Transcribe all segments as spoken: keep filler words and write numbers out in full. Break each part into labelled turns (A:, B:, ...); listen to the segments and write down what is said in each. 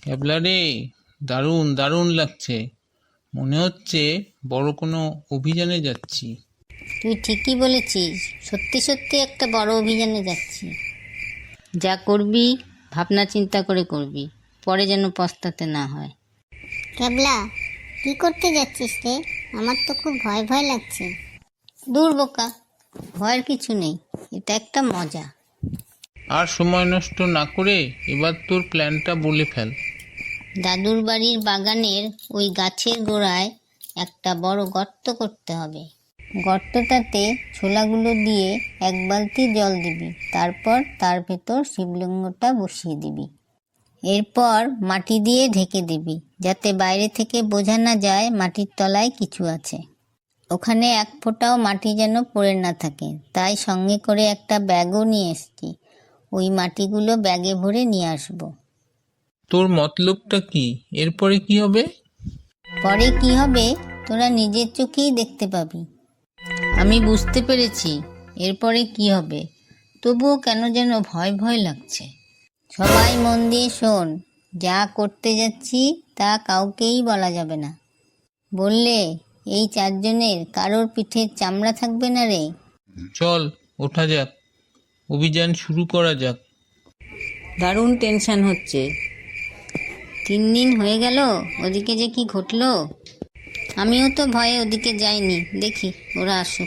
A: ক্যাবলা রে, দারুণ দারুণ লাগছে। মনে হচ্ছে বড় কোনো অভিযানে যাচ্ছি।
B: তুই ঠিকই বলেছিস, সত্যি সত্যি একটা বড় অভিযানে যাচ্ছি। যা করবি ভাবনা চিন্তা করে করবি, পরে যেন পস্তাতে না হয়।
C: ক্যাবলা, কি করতে যাচ্ছিস রে? আমার তো খুব ভয় ভয় লাগছে।
B: দূর বোকা, ভয়ের কিছু নেই, এটা একটা মজা।
A: আর সময় নষ্ট না করে এবার তোর প্ল্যানটা বলে ফেল।
B: দাদুর বাড়ির বাগানের ওই গাছের গোড়ায় একটা বড় গর্ত করতে হবে। গর্তটাতে ছোলাগুলো দিয়ে এক বালতি জল দিবি, তারপর তার ভেতর শিবলিঙ্গটা বসিয়ে দিবি। এরপর মাটি দিয়ে ঢেকে দিবি, যাতে বাইরে থেকে বোঝা না যায় মাটির তলায় কিছু আছে। ওখানে এক ফোঁটাও মাটি যেন পড়ে না থাকে, তাই সঙ্গে করে একটা ব্যাগও নিয়ে এসছি। ওই মাটিগুলো ব্যাগে ভরে নিয়ে আসবো।
A: তোর মতলবটা কি? এরপরে কি হবে?
B: পরে কি হবে তোরা নিজের চোখেই দেখতে পাবি। আমি বুঝতে পেরেছি এরপরে কি হবে, তবুও কেন যেন ভয় ভয় লাগছে। সবাই মন দিয়ে শোন, যা করতে যাচ্ছি তা কাউকেই বলা যাবে না। বললে এই চারজনের কারোর পিঠের চামড়া থাকবে না রে।
A: চল ওঠা যাক, অভিযান শুরু করা যাক।
B: দারুণ টেনশন হচ্ছে। তিন দিন হয়ে গেল, ওদিকে যে কি ঘটলো। আমিও তো ভয়ে ওদিকে যাইনি, দেখি ওরা আসুক।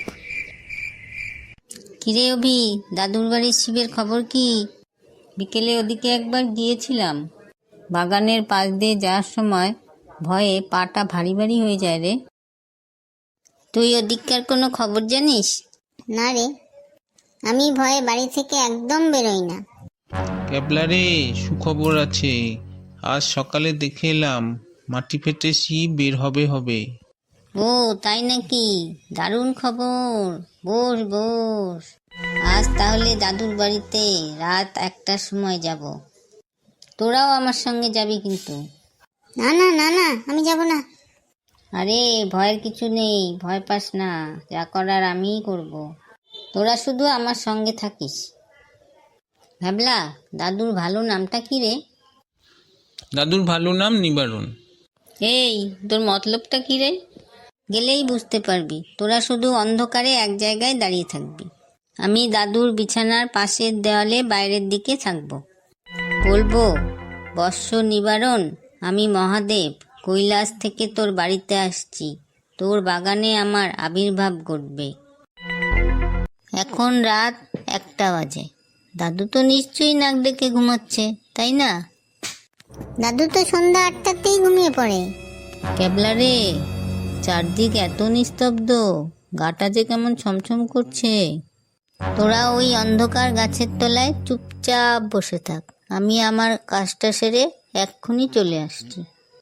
B: কিরে অভি, দাদুর বাড়ির শিবের খবর কি? বিকেলে ওদিকে একবার গিয়েছিলাম, বাগানের পাশ দিয়ে যাওয়ার সময় ভয়ে পাটা ভারী ভারী হয়ে যায় রে। তুই ওদিককার কোনো খবর জানিস?
C: না রে, আমি ভয়ে বাড়ি থেকে একদম বেরোই না।
A: ক্যাবলা রে, সুখবর আছে। আজ সকালে দেখে এলাম মাটি ফেটে শিব বের হবে হবে।
B: ও তাই নাকি? দারুণ খবর। বস বস, আজ তাহলে দাদুর বাড়িতে রাত একটার সময় যাব। তোরাও আমার সঙ্গে যাবি কিন্তু।
C: না না না না, আমি যাব না।
B: আরে ভয়ের কিছু নেই, ভয় পাস না, যা করার আমিই করব। তোরা শুধু আমার সঙ্গে থাকিস। ভাবলা, দাদুর ভালো নামটা কি রে?
A: দাদুর ভালো নাম নিবারণ।
B: এই তোর মতলবটা কি রে? গেলেই বুঝতে পারবি। তোরা শুধু অন্ধকারে এক জায়গায় দাঁড়িয়ে থাকবি। আমি দাদুর বিছানার পাশের দেওয়ালে বাইরের দিকে থাকবো। বলবো, বৎস নিবারণ, আমি মহাদেব কৈলাস থেকে তোর বাড়িতে আসছি। তোর বাগানে আমার আবির্ভাব ঘটবে। এখন রাত একটা বাজে। দাদু তো নিশ্চয়ই নাক ডেকে ঘুমাচ্ছে, তাই না?
C: দাদু তো সন্ধ্যা আটটাতেই ঘুমিয়ে পড়ে।
B: ক্যাবলা রে, চারদিক এত নিস্তব্ধ, গাটা যে কেমন ছমছম করছে। তোরা ওই অন্ধকার গাছের তলায় চুপচাপ বসে থাক, আমি আমার কাজটা সেরে এক্ষুনি চলে আসছি।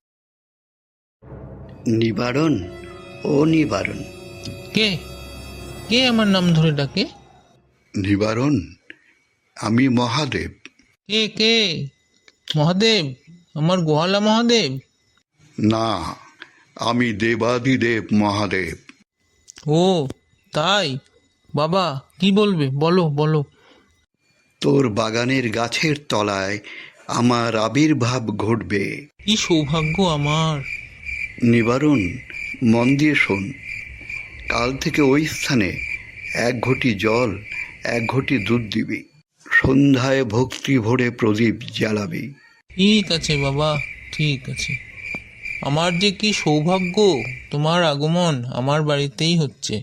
D: নিবারণ, ও নিবারণ।
A: কে কে আমার নাম ধরে ডাকে?
D: নিবারণ, আমি মহাদেব।
A: কে কে মহাদেব? আমার গোহালা মহাদেব?
D: না, আমি দেবাদিদেব মহাদেব।
A: ও তাই? বাবা কি বলবে, বলো বলো।
D: তোর বাগানের গাছের তলায় আমার আবির্ভাব ঘটবে।
A: কি সৌভাগ্য আমার।
D: নিবারণ, মন দিয়ে শোন। কাল থেকে ওই স্থানে এক ঘটি জল, এক ঘটি দুধ দিবি। সন্ধ্যায় ভক্তি ভরে প্রদীপ জ্বালাবি।
A: ঠিক আছে বাবা, ঠিক আছে। আমার যে কি সৌভাগ্য, তোমার আগমন আমার বাড়িতেই হচ্ছে।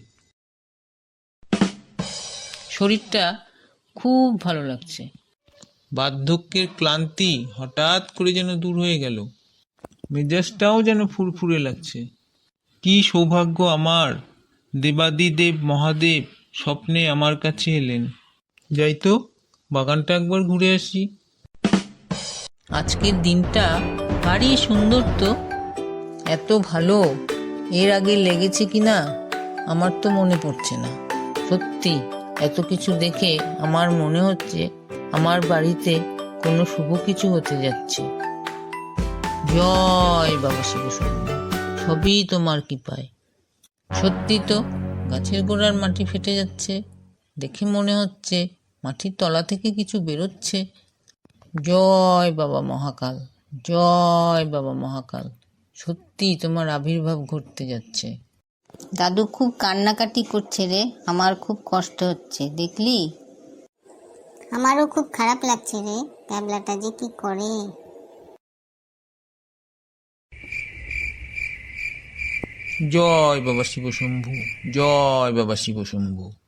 A: শরীরটা খুব ভালো লাগছে। বার্ধক্যের ক্লান্তি হঠাৎ করে যেন দূর হয়ে গেল। মেজাজটাও যেন ফুরফুরে লাগছে। কি সৌভাগ্য আমার, দেবাদিদেব মহাদেব স্বপ্নে আমার কাছে এলেন। যাই তো, বাগানটা একবার ঘুরে আসি। আজকের দিনটা ভারী সুন্দর তো। এত ভালো এর আগে লেগেছে কিনা আমার তো মনে পড়ছে না। সত্যি এত কিছু দেখে আমার মনে হচ্ছে আমার বাড়িতে কোনো শুভ কিছু হতে যাচ্ছে। জয় বাবা শিব শম্ভু, সবই তোমার কৃপায়। সত্যি তো, গাছের গোড়ার মাটি ফেটে যাচ্ছে, দেখে মনে হচ্ছে মাটির তলা থেকে কিছু বেরোচ্ছে। জয় বাবা মহাকাল।
B: জয় বাবা মহাকাল, সত্যি তোমার আবির্ভাব ঘটতে যাচ্ছে। দাদু খুব কান্নাকাটি করছে রে, আমার খুব কষ্ট হচ্ছে, দেখলি?
C: আমারও খুব খারাপ লাগছে রে, ক্যাবলাটা যে কি করে।
A: জয় বাবা শিব শম্ভু, জয় বাবা শিব শম্ভু।